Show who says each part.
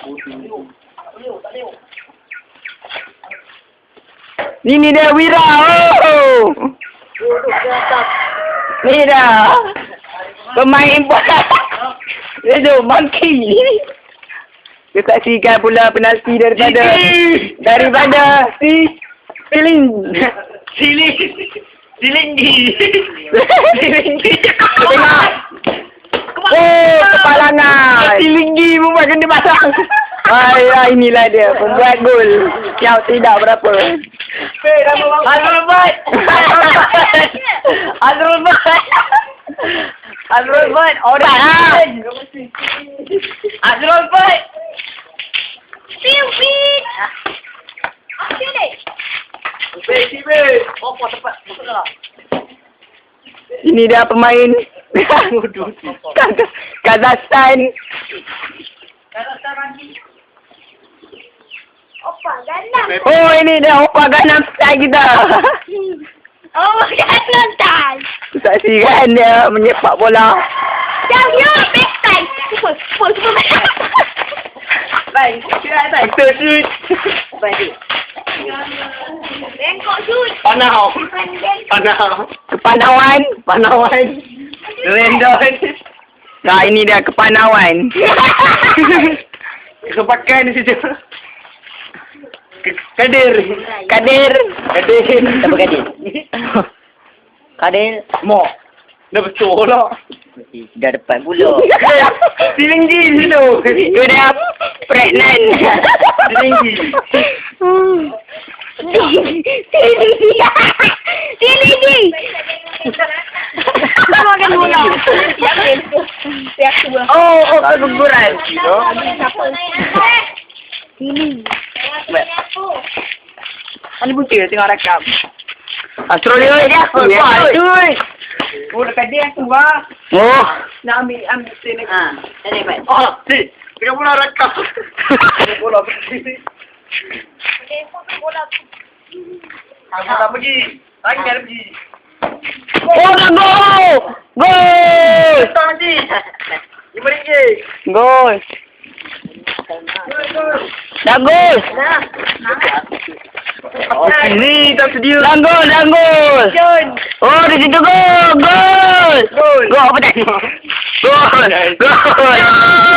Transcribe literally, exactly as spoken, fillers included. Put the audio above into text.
Speaker 1: Ini dia Wira. Oh. Ni dah. Pemain bola. Itu monkey. Dia saksikan pula penalti daripada daripada si Siling.
Speaker 2: Siling. Silinggi.
Speaker 1: Silinggi. Tengok. Oh, kepalangan. Silinggi pun buat kena pasang. Ayah, inilah dia pembuat gol yang tidak berapa.
Speaker 2: Azrul Bait. Azrul Bait. Azrul Bait. Orang. Azrul Bait.
Speaker 3: Pimpin. Sini.
Speaker 2: Bait, bait. Oh, tempat. Masuklah.
Speaker 1: Ini dia pemain Kazakhstan.
Speaker 3: Kazakhstan lagi. Opa ganam.
Speaker 1: Oh, ini dia Opa Gangnam Style kita.
Speaker 3: Oh, Gangnam Style.
Speaker 1: Saksikan dia menyepak bola.
Speaker 3: Jauh yo, best time. Super, super, super.
Speaker 2: Baik, kira baik.
Speaker 1: Betul shoot.
Speaker 2: Baik.
Speaker 3: Bengkok shoot.
Speaker 2: Panau. Panau.
Speaker 1: Kepanawan, Kepanawan.
Speaker 2: Rendon.
Speaker 1: Nah, ini dia kepanawan.
Speaker 2: Kepakan di situ. Kadir.
Speaker 1: Kadir.
Speaker 2: Kadir.
Speaker 1: Siapa Kadir? Kadir.
Speaker 2: Mo. Dah betul lah.
Speaker 1: Dah depan pula.
Speaker 2: Silinggi situ.
Speaker 1: Dia dah pregnant.
Speaker 2: Silinggi.
Speaker 3: Silinggi. Kita makan bola.
Speaker 1: Oh, oh, keguguran.
Speaker 3: Silinggi.
Speaker 2: Mana bukti tengok rakam.
Speaker 1: Australia dia.
Speaker 2: Aduh. Oh, dekat dia tu bah.
Speaker 1: Oh.
Speaker 2: Nak ambil ambil sini.
Speaker 3: Ha, tadi baik.
Speaker 2: Oh, si. Tengok bola rakam. Tengok bola pergi.
Speaker 3: Bola.
Speaker 2: Bola pergi. Lagi ada pergi.
Speaker 1: Oh, dah gol! Gol!
Speaker 2: Betul nanti. Lima ringgit.
Speaker 1: Gol! Dah gol!
Speaker 2: Oh, ni tak sedia.
Speaker 1: Dah gol, dah gol! Oh, di situ gol! Gol!
Speaker 2: Gol.
Speaker 1: Gol apa tadi? Gol! Gol!